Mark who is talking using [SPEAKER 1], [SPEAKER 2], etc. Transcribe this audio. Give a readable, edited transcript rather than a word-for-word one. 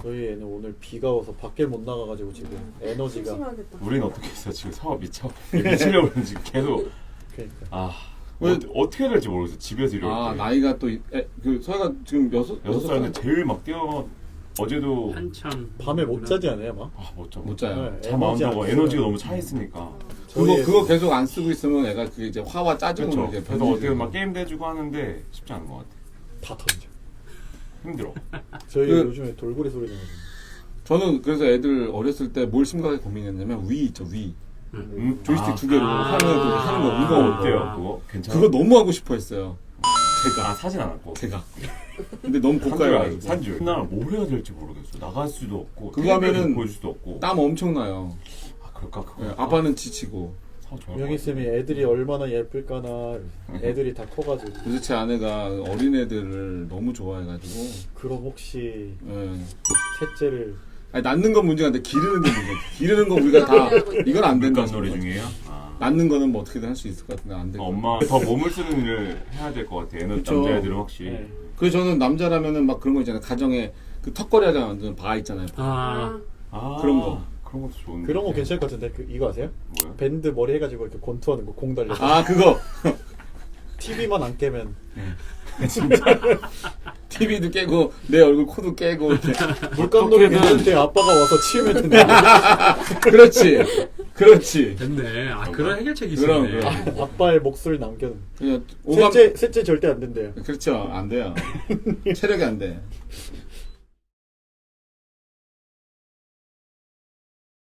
[SPEAKER 1] 저희 애는 오늘 비가 와서 밖에 못 나가가지고 지금 에너지가.
[SPEAKER 2] 심심하겠다.
[SPEAKER 3] 우리는 어떻게 했어? 지금 사업 미치려고 그러는 지금 계속.
[SPEAKER 1] 그러니까.
[SPEAKER 3] 어떻게 해야 될지 모르겠어. 집에서 이렇게.
[SPEAKER 4] 나이가 또 그 서희가 지금
[SPEAKER 3] 여섯 살인데 제일 막 뛰어. 어제도
[SPEAKER 2] 한참
[SPEAKER 1] 밤에 못 자지 않아요, 막?
[SPEAKER 4] 못 자요.
[SPEAKER 1] 네,
[SPEAKER 3] 잠 안
[SPEAKER 1] 에너지
[SPEAKER 3] 자고
[SPEAKER 1] 안
[SPEAKER 3] 에너지가
[SPEAKER 1] 쓰면.
[SPEAKER 3] 너무 차 있으니까.
[SPEAKER 4] 그거 계속 안 쓰고 있으면 애가 그게 이제 화와 짜증으로
[SPEAKER 3] 그렇죠.
[SPEAKER 4] 이제
[SPEAKER 3] 그래서 어떻게 막 게임도 해주고 하는데 쉽지 않은 것 같아.
[SPEAKER 1] 다 던져.
[SPEAKER 3] 힘들어.
[SPEAKER 1] 저희
[SPEAKER 4] 그-
[SPEAKER 1] 요즘에 돌고래 소리 나거든요.
[SPEAKER 4] 저는 그래서 애들 어렸을 때 뭘 심각하게 고민했냐면 위 있죠, 위. 조이스틱 두 개로 화면에 또 하는 거 무거운 거.
[SPEAKER 3] 어때요? 그거 괜찮아?
[SPEAKER 4] 그거 너무 하고 싶어 했어요.
[SPEAKER 3] 제가 사진 안 왔고.
[SPEAKER 4] 제가. 근데 너무 고가여가지고.
[SPEAKER 3] 산줄. 나 뭘 해야 될지 모르겠어. 나갈 수도 없고.
[SPEAKER 4] 그거 하면은
[SPEAKER 3] 보여줄 수도 없고.
[SPEAKER 4] 땀 엄청 나요.
[SPEAKER 3] 아 그럴까? 그거.
[SPEAKER 4] 예, 아빠는 지치고.
[SPEAKER 1] 명희 쌤이 애들이 얼마나 예쁠까나. 애들이 다 커가지고.
[SPEAKER 4] 그래서 제 아내가 어린애들을 너무 좋아해가지고.
[SPEAKER 1] 그럼 혹시
[SPEAKER 4] 예.
[SPEAKER 1] 셋째를
[SPEAKER 4] 아니, 낳는 건 문제가 아닌데 기르는 게 문제. 기르는 거 우리가 다 이건 안 된다.
[SPEAKER 3] 물감 놀이 중이에요?
[SPEAKER 4] 낳는 거는 뭐 어떻게든 할 수 있을 것 같은데 안 돼.
[SPEAKER 3] 엄마 더 몸을 쓰는 일을 해야 될 것 같아.
[SPEAKER 4] 그쵸.
[SPEAKER 3] 남자애들은 확실히.
[SPEAKER 1] 네.
[SPEAKER 4] 그래서 저는 남자라면은 막 그런 거 있잖아요. 가정에 그 턱걸이 하자 완전 바 있잖아요.
[SPEAKER 2] 아
[SPEAKER 4] 그런 거.
[SPEAKER 3] 그런 것도 좋은데.
[SPEAKER 1] 그런 거 괜찮을 것 같은데 이거 아세요?
[SPEAKER 3] 뭐요?
[SPEAKER 1] 밴드 머리 해가지고 이렇게 권투하는 거 공 달려.
[SPEAKER 4] 아 그거.
[SPEAKER 1] TV만 안 깨면
[SPEAKER 4] TV도 깨고 내 얼굴 코도 깨고 이렇게.
[SPEAKER 1] 물감놀이 괜찮은데 아빠가 와서 치우면 된다.
[SPEAKER 4] 그렇지. 그렇지.
[SPEAKER 2] 됐네. 그런 해결책이
[SPEAKER 4] 그럼,
[SPEAKER 2] 있었네.
[SPEAKER 4] 그럼.
[SPEAKER 1] 아빠의 몫을 남겨는.
[SPEAKER 4] 그냥
[SPEAKER 1] 셋째 절대 안 된대요.
[SPEAKER 4] 그렇죠. 안 돼요. 체력이 안 돼.